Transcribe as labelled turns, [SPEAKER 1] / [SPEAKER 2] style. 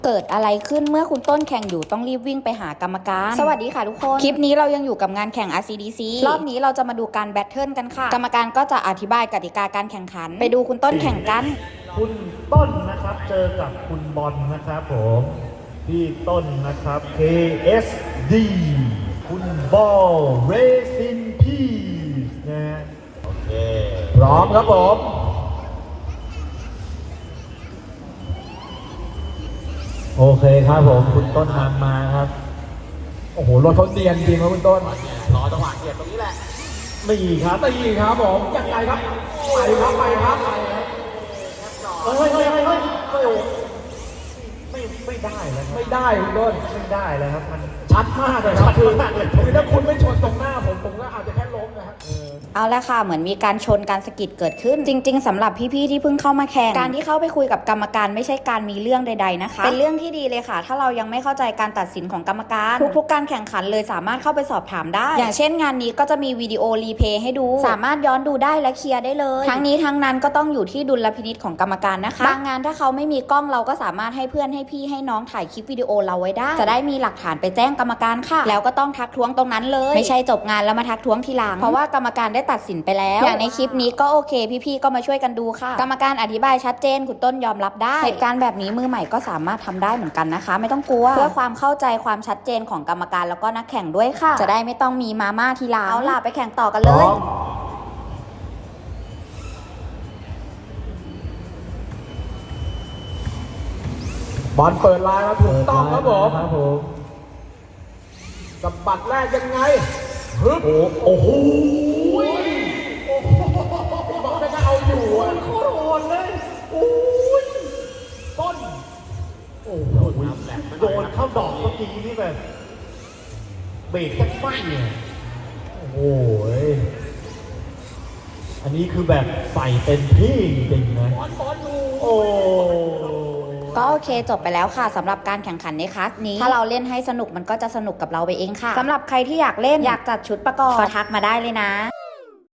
[SPEAKER 1] เกิดอะไรขึ้นเมื่อคุณต้นแข่งอยู่ต้องรีบวิ่งไปหากรรมการสวัสดีค่ะทุกคนคลิปนี้เรายังอยู่กับงานแข่ง RCDC รอบนี้เราจะมาดูการแบทเทิลกันค่ะกรรมการก็จะอธิบายกติกาการแข่งขันไปดูคุณต้นแข่งกัน
[SPEAKER 2] คุณต้นนะครับเจอกับคุณบอลนะครับผมพี่ต้นนะครับ KSD คุณบอล Rest in Peace นะฮะโอเคพร้อมครับผมโอเคครับผมคุณต้นนำมาครับโอ้โหรถเขาเนียนจริงครับคุณต้นรอจังหวะเกียรตรงนี้แหละไม่ครับไม่ครับผมยังไงครับไปครับเฮ้ยไม่ได้แล้วไม่ได้คุณต้นไม่ได้แล้วครับมันชัดมากเลยครับคือถ้าคุณไม่ชนตรงหน้าผมก็อาจจะแค่ล้มนะครับ
[SPEAKER 1] เอาละค่ะเหมือนมีการชนการสะกิดเกิดขึ้นจริงๆสำหรับพี่ๆที่เพิ่งเข้ามาแข่งการที่เข้าไปคุยกับกรรมการไม่ใช่การมีเรื่องใดๆนะคะเป็นเรื่องที่ดีเลยค่ะถ้าเรายังไม่เข้าใจการตัดสินของกรรมการทุกๆการแข่งขันเลยสามารถเข้าไปสอบถามได้อย่างเช่นงานนี้ก็จะมีวิดีโอรีเพย์ให้ดูสามารถย้อนดูได้และเคลียร์ได้เลยทั้งนี้ทั้งนั้นก็ต้องอยู่ที่ดุลพินิจของกรรมการนะคะบางงานถ้าเขาไม่มีกล้องเราก็สามารถให้เพื่อนให้พี่ให้น้องถ่ายคลิปวิดีโอเราไว้ได้จะได้มีหลักฐานไปแจ้งกรรมการค่ะแล้วก็ต้องทักท้วงตรงนั้นเลยไม่ใช่จบงานแล้วมาทักท้วงทีหลังเพราะว่ากรรมการได้ตัดสินไปแล้วอย่างในคลิปนี้ก็โอเคพี่ๆก็มาช่วยกันดูค่ะกรรมการอธิบายชัดเจนคุณต้นยอมรับได้เหตุการณ์แบบนี้มือใหม่ก็สามารถทำได้เหมือนกันนะคะไม่ต้องกลัวเพื่อความเข้าใจความชัดเจนของกรรมการแล้วก็นักแข่งด้วยค่ะจะได้ไม่ต้องมีมาม่าทีหลังเอาล่ะไปแข่งต่อกันเลย
[SPEAKER 2] บอลเปิดลายมาถูกต้องครับผมสะบัดแรกยังไงฮึบโอ้โหบอกจะเอาอยู่อ่ะโคตรโหดเลยโอ้ยต้นโอ้โหโดนเข้าดอกเมื่อกี้นี่แบบเบรกจะไม่เนี่ยโอ้โหอันนี้คือแบบใส่เต็มที่จริงนะโอ้
[SPEAKER 1] ก็โอเคจบไปแล้วค่ะสำหรับการแข่งขันในคลาสนี้ถ้าเราเล่นให้สนุกมันก็จะสนุกกับเราไปเองค่ะสำหรับใครที่อยากเล่นอยากจัดชุดประกอบก็ทักมาได้เลยนะ